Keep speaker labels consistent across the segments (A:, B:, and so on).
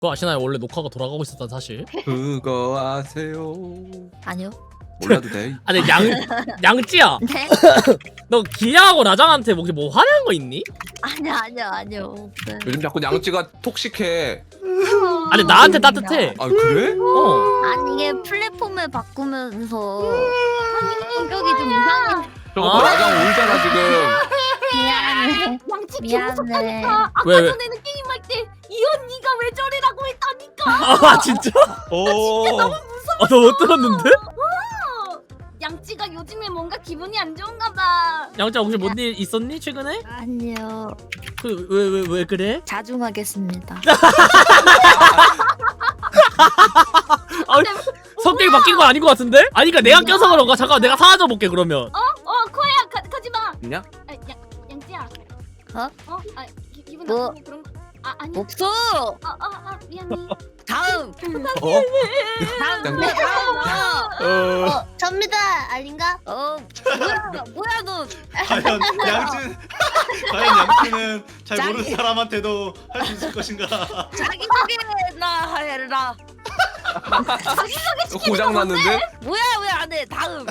A: 그거 아시나요? 원래 녹화가 돌아가고 있었단 사실.
B: 그거 아세요?
C: 아니요.
B: 몰라도 돼.
A: 아니 양찌야,
C: 네?
A: 너 기야하고 라장한테 뭐 화내는 거 있니?
C: 아니요. 없어요.
B: 요즘 자꾸 양찌가 톡식해.
A: 아니 나한테 따뜻해.
B: 아 그래?
C: 아니 이게 플랫폼을 바꾸면서 성격이 좀 이상해.
B: 저거 라장 울잖아 지금.
C: 미안해.
D: 양치
C: 미안해.
D: 아까
A: 왜?
D: 전에는 게임할 때 이 언니가 왜 저래라고 했다니까.
A: 아 진짜?
B: 오.
A: 너 못 들었는데?
D: 양치가 요즘에 뭔가 기분이 안 좋은가 봐.
A: 양찌야 혹시 뭔 일 있었니 최근에?
C: 아니요.
A: 왜 그래?
C: 자중하겠습니다.
A: 아, 성격이 바뀐 건 아닌 것 같은데? 아니 그니까 내가 껴서 그런가? 잠깐 내가 사라져 볼게 그러면.
D: 코야 가지 마.
B: 있냐?
D: 양치야.
C: 어?
D: 기분
C: 뭐?
D: 나쁘니 그런 거. 아니.
C: 없어.
D: 미안해.
C: 다음.
B: 어?
C: 다음.
E: 접니다. 아닌가?
C: 뭐야 너.
F: 과연 양치는 잘
C: 자기-
F: 모르는 사람한테도 할 수 있을 것인가?
C: 자기 소개나 해라.
B: 고장 났는데?
C: 뭐야 왜 안 해? 다음.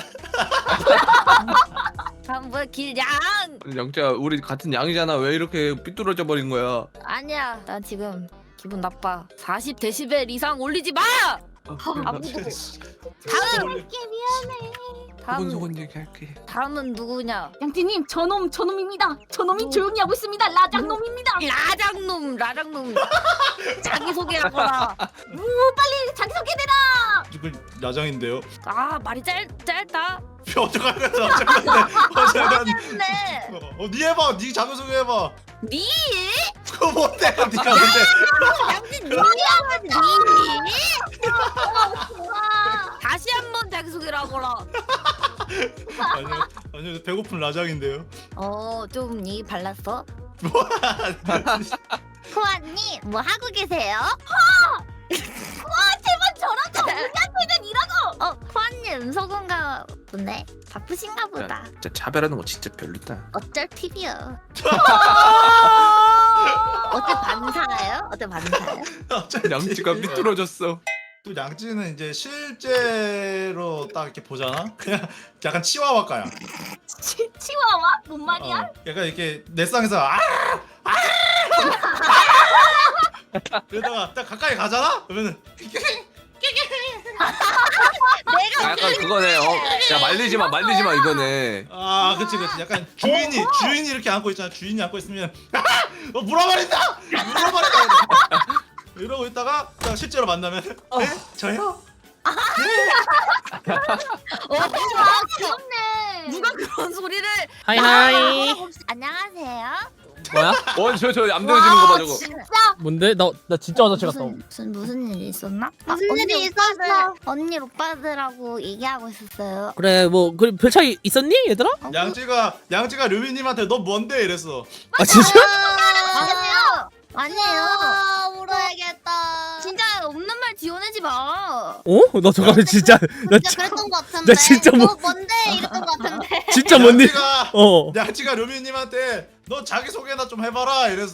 C: 다음 뭐야 길양.
B: 양찌야 우리 같은 양이잖아. 왜 이렇게 삐뚤어져 버린 거야?
C: 아니야. 나 지금 기분 나빠. 40데시벨 이상 올리지 마. 아무도. 다음. 다음.
B: 소곤소곤 얘기할게.
C: 다음은 누구냐?
D: 양치님 저놈입니다. 저놈이 조용히 하고 있습니다. 라장놈입니다.
C: 라장놈. 자기 소개하거라.
D: 빨리 자기 소개해라.
F: 이걸 야장인데요.
C: 아 말이 짧다.
F: 어쩌면
C: 네.
F: 니 해봐. 니 자기 소개 해봐.
C: 니?
F: 그거 뭔데? 니가 뭔데?
C: 양진 니야 니? 다시 한번 자기 소개를 하거라.
F: 아니요 배고픈 라장인데요.
C: 좀 니 발랐어? 코아님 뭐 하고 계세요?
D: 제발 저랑 좀 우리한테는 이라고.
C: 코아님 음소건가 보네. 바쁘신가 보다.
B: 진짜 차별하는 거 진짜 별로다.
C: 어쩔 TV요. 어때 반사예요?
B: 양찌가 삐뚤어졌어.
F: 또 양찌는 이제 실제로 딱 이렇게 보잖아. 그냥 약간 치와와가야.
D: 치와와? 뭔 말이야?
F: 약간 이렇게 넷상에서 그러다가 딱 가까이 가잖아. 그러면은
B: 아, 약간 그거네. 야 말리지 마 이거네.
F: 그치 약간 주인이 이렇게 안고 있잖아. 주인이 안고 있으면 물어버린다 이러고 있다가 딱 실제로 만나면 네? 저요?
D: 귀엽네.
C: 누가 그런 소리를?
A: 하이하이.
C: 안녕하세요.
A: 뭐야?
B: 저 얌전해지는 거 봐 저거.
D: 진짜?
A: 뭔데? 나 진짜 화장실 갔다 온.
C: 무슨 일이 있었나?
E: 무슨 일이 있었어?
C: 언니 오빠들하고 얘기하고 있었어요.
A: 그래 뭐 별 차이 있었니 얘들아?
F: 양찌가 류미님한테 너 뭔데 이랬어.
A: 아 진짜?
C: 아니에요.
E: 울어야겠다.
C: 진짜 없는 말 지어내지 마.
A: 너 잠깐만 진짜 나
E: 진짜 그랬던 것 같은데.
A: 나 진짜
E: 너 뭔데 이랬던 것 같은데.
A: 진짜 뭔 일?
F: 양찌가 류미님한테 너 자기 소개나 좀 해봐라 이랬어.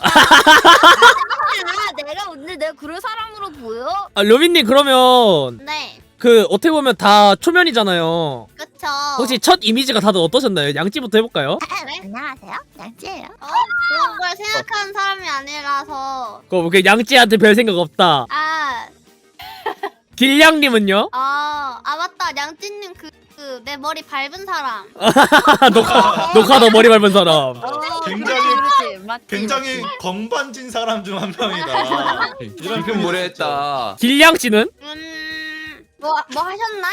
C: 내가 오늘 내가 그럴 사람으로 보여?
A: 료빈님 그러면
E: 네.
A: 그 어떻게 보면 다 초면이잖아요.
E: 그쵸.
A: 혹시 첫 이미지가 다들 어떠셨나요? 양찌부터 해볼까요?
C: 안녕하세요. 양지예요.
E: 그런 걸 생각하는 사람이 아니라서.
A: 그 양찌한테 별 생각 없다. 길냥님은요?
E: 맞다. 양찐님 내 머리 밟은 사람.
A: 녹화 너 머리 밟은 사람.
F: 굉장히 건반진 사람 중 한 명이다.
B: 지금 무례했다.
A: 길냥씨는?
E: 뭐 하셨나?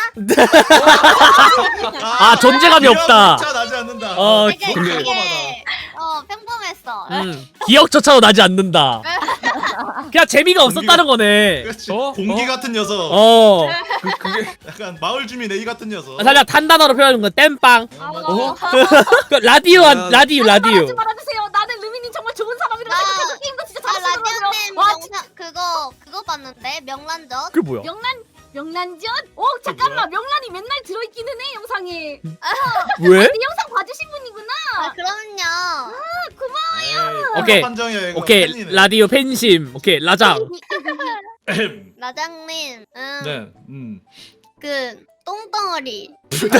A: 존재감이 없다.
F: 차 나지 않는다.
E: 되게
B: 근데-
E: 평범했어.
A: 기억조차도 나지 않는다. 그냥 재미가 없었다는 거네.
F: 그렇지.
B: 어?
F: 공기 같은 녀석.
B: 그게
F: 약간 마을 주민 A 같은 녀석.
A: 살짝 단단어로 표현하는 건 땜빵. 그 라디오.
D: 말하지 말아주세요. 나는 르미님 정말 좋은 사람이라고 생각해서 게임도 진짜 잘하시더라고요.
E: 라디오님
D: 와,
E: 영상 그거 봤는데 명란젓.
A: 그게 뭐야?
D: 명란전? 잠깐만 명란이 맨날 들어있기는 해 영상에.
A: 왜?
D: 내 영상 봐주신 분이구나.
E: 그럼요.
D: 고마워.
A: 오케이.
F: 판정이야, 이거.
A: 오케이
F: 팬이네.
A: 라디오 팬심. 오케이 라장.
E: 라장님,
F: 네.
E: 그 똥덩어리.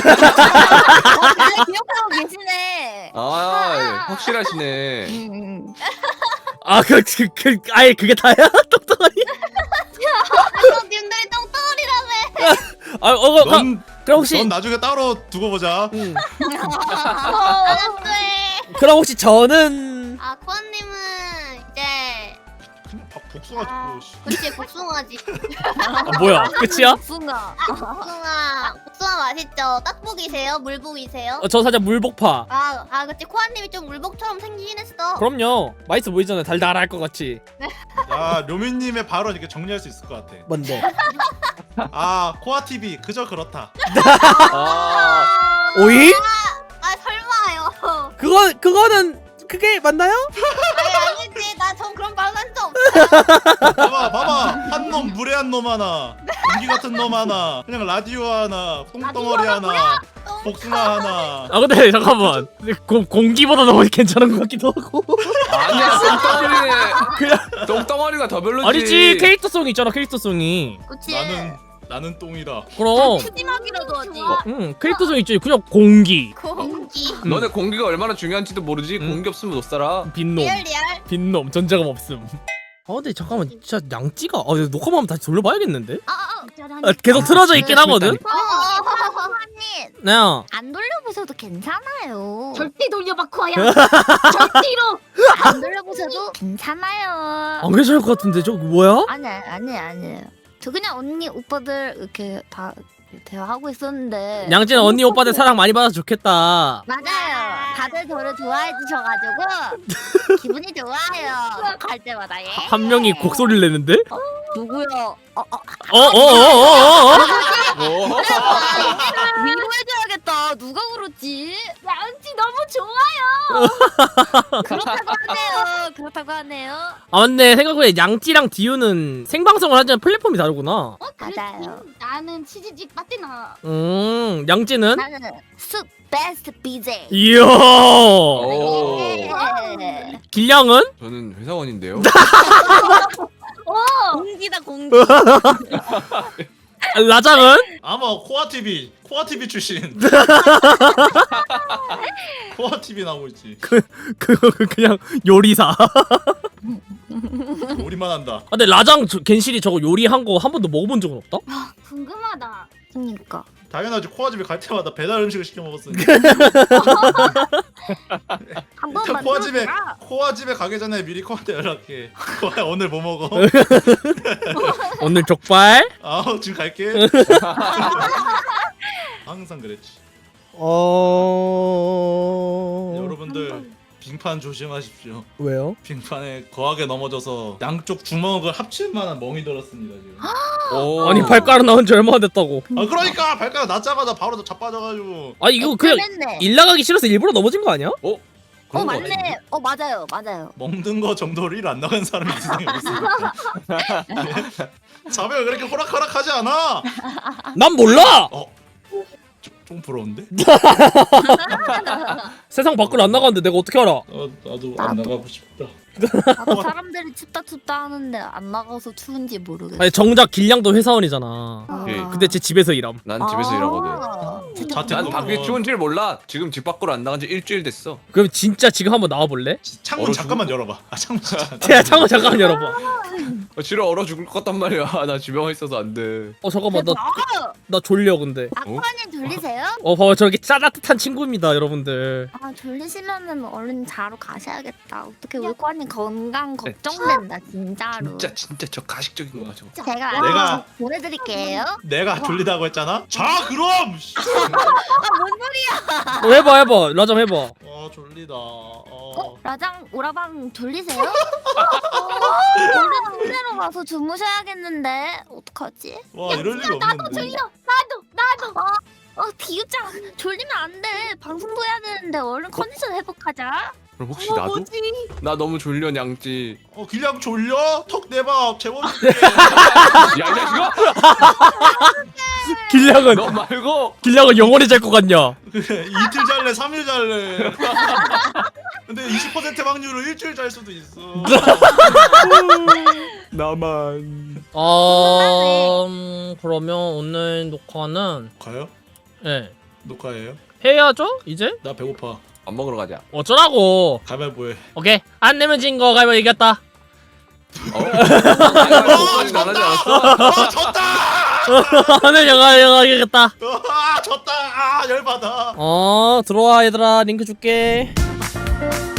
C: 잘 기억하고 계시네.
B: 아 확실하시네.
A: 아 아예 그게 다야? 똑똑하니?
E: 님들이 똥덩어리라며.
F: 넌
A: 그럼 혹시
F: 넌 나중에 따로 두고 보자.
E: 안 돼.
A: 그럼 혹시 저는
E: 아 코아님은 이제
F: 그냥 복숭아 주고.
E: 그치 복숭아지.
A: 뭐야 끝이야?
C: 순아.
E: 복숭아 맛있죠. 딱복이세요? 물복이세요?
A: 저 살짝 물복파.
E: 아 그치 코아님이 좀 물복처럼 생기긴 했어.
A: 그럼요. 맛있어 보이잖아요. 달달할 것 같이.
F: 야 료민님의 발언 이렇게 정리할 수 있을 것 같아.
A: 뭔데?
F: 아 코아 TV 그저 그렇다.
B: 아
A: 오이?
E: 아 설마요.
A: 그거는 그게 맞나요?
E: 아니지. 나 전 그런 말은 한적 없어.
F: 봐봐 한 놈 무례한 놈 하나, 공기 같은 놈 하나, 그냥 라디오 하나, 똥덩어리 하나, 복숭아 하나.
A: 아 근데 잠깐만. 공기보다 너무 괜찮은 것 같기도 하고.
B: 아니야 똥덩어리가 더 별로지.
A: 아니지 캐릭터성이 있잖아 캐릭터성이.
E: 그치.
F: 나는 똥이다.
A: 그럼.
C: 푸짐하기라도 하지.
A: 캐릭터성 있지. 그냥 공기.
E: 공기.
B: 너네 공기가 얼마나 중요한지도 모르지. 공기 없으면 못 살아.
A: 빈놈.
E: 리얼.
A: 빈놈 전자감 없음. 아 근데 잠깐만 진짜 양찌가 녹화만 하면 다시 돌려봐야겠는데? 계속 틀어져 있긴 하거든?
C: 언니
A: 네.
C: 안 돌려보셔도 괜찮아요.
D: 절대 돌려봐 코아야. 절대로.
C: 안 돌려보셔도 괜찮아요.
A: 안 괜찮을 것 같은데 저거 뭐야?
C: 아니에요. 저 그냥 언니 오빠들 이렇게 다 대화하고 있었는데.
A: 양찌는 언니 오빠들 사랑 많이 받아서 좋겠다.
C: 맞아요. 다들 저를 좋아해 주셔가지고 기분이 좋아요. 갈 때마다 예.
A: 한 명이 곡소리를 내는데?
C: 누구요?
A: 어어어어어어?
B: 뭐?
C: 위로해줘야겠다. 누가 그렇지?
D: 양치 너무 좋아요.
C: 그렇다고 하네요.
A: 아 근데 생각보다 양찌랑 디유는 생방송을 하지만 플랫폼이 다르구나.
C: 맞아요.
D: 나는 치즈직 빠띠나.
A: 양찌는?
C: 나는 숲 베스트 BJ.
A: 이야.
B: 오.
C: 네.
A: 길냥은?
B: 저는 회사원인데요.
C: 공기다 공기.
A: 라장은?
F: 아마 코아 TV 출신. 코아 TV 나오고 있지.
A: 그냥 요리사.
F: 요리만 한다.
A: 아, 근데 라장 겐실이 저거 요리한 거 한 번도 먹어본 적은 없다?
D: 궁금하다.
C: 그니까.
F: 당연하지. 코아 집에 갈 때마다 배달 음식을 시켜 먹었으니.
C: 한번
F: 코아 집에 가기 전에 미리 코아한테 연락해. 코아 오늘 뭐 먹어?
A: 오늘 족발?
F: 지금 갈게. 항상 그랬지. 여러분들 빙판 조심하십시오.
A: 왜요?
F: 빙판에 거하게 넘어져서 양쪽 주먹을 합칠 만한 멍이 들었습니다 지금.
B: 오.
A: 아니 발가락 나온 지 얼마나 됐다고.
F: 그러니까 발가락 낮자마자 바로 자빠져가지고.
A: 아 이거 그냥 일 나가기 싫어서 일부러 넘어진 거 아니야?
B: 그런 거
C: 맞네. 맞아요.
F: 먹는 거 정도로 일 안 나가는 사람이 이 세상에 없으니까. 자매가 그렇게 호락호락하지 않아.
A: 난 몰라!
F: 좀 부러운데?
A: 세상 밖으로 안 나가는데 내가 어떻게 알아?
F: 나도 안 나가고 싶다.
C: 나도 사람들이 춥다 하는데 안 나가서 추운지 모르겠어.
A: 아니 정작 길냥도 회사원이잖아. 근데 제 집에서 일함.
B: 난 집에서 일하거든. 난 밖에 추운 줄 몰라. 지금 집 밖으로 안 나간 지 일주일 됐어.
A: 그럼 진짜 지금 한번 나와볼래?
F: 창문
B: 얼어
F: 잠깐만 열어봐. 창문 진짜.
A: 야 창문 잠깐만 열어봐.
B: 지금 얼어 죽을 것 같단 말이야. 나 집에 와 있어서 안 돼.
A: 잠깐만 나 졸려 근데.
C: 아쿠아님 졸리세요?
A: 봐봐 저렇게 따뜻한 친구입니다 여러분들.
C: 졸리시면은 얼른 자러 가셔야겠다. 어떻게 우리 코아님 건강 걱정된다 진짜로.
B: 진짜 저 가식적인 거야 저거.
C: 제가
F: 내가-
C: 보내드릴게요.
F: 내가 졸리다고 했잖아. 자 그럼.
A: 해봐 라장 해봐.
F: 졸리다.
C: 라장 오라방 졸리세요? 얼른 침대로 가서 주무셔야겠는데 어떡하지?
F: 와 이럴 리가
D: 나도
F: 없는데.
D: 졸려. 나도.
C: 디유짱 졸리면 안 돼. 방송도 해야 되는데 얼른 컨디션 회복하자.
B: 그럼 혹시 나도? 나 너무 졸려 양찌.
F: 길냥 졸려? 턱 내봐. 재워줄게.
B: 야 이 자식아!
A: 길냥은
B: 너 말고
A: 길냥은 영원히 잘 것 같냐?
F: 그래, 이틀 잘래 3일 잘래. 근데 20% 확률로 일주일 잘 수도 있어.
B: 나만.
A: 그러면 오늘 녹화는
F: 가요?
A: 예
F: 녹화해요?
A: 해야죠 이제?
F: 나 배고파.
B: 밥 먹으러 가자.
A: 어쩌라고?
F: 가위바위보해.
A: 오케이 안 내면 진 거 가위바위보 이겼다.
B: 목까지 안 하지 않았어?
F: 졌다!
A: 안 내면 영화 이겼다.
F: 졌다! 열받아.
A: 들어와 얘들아 링크 줄게.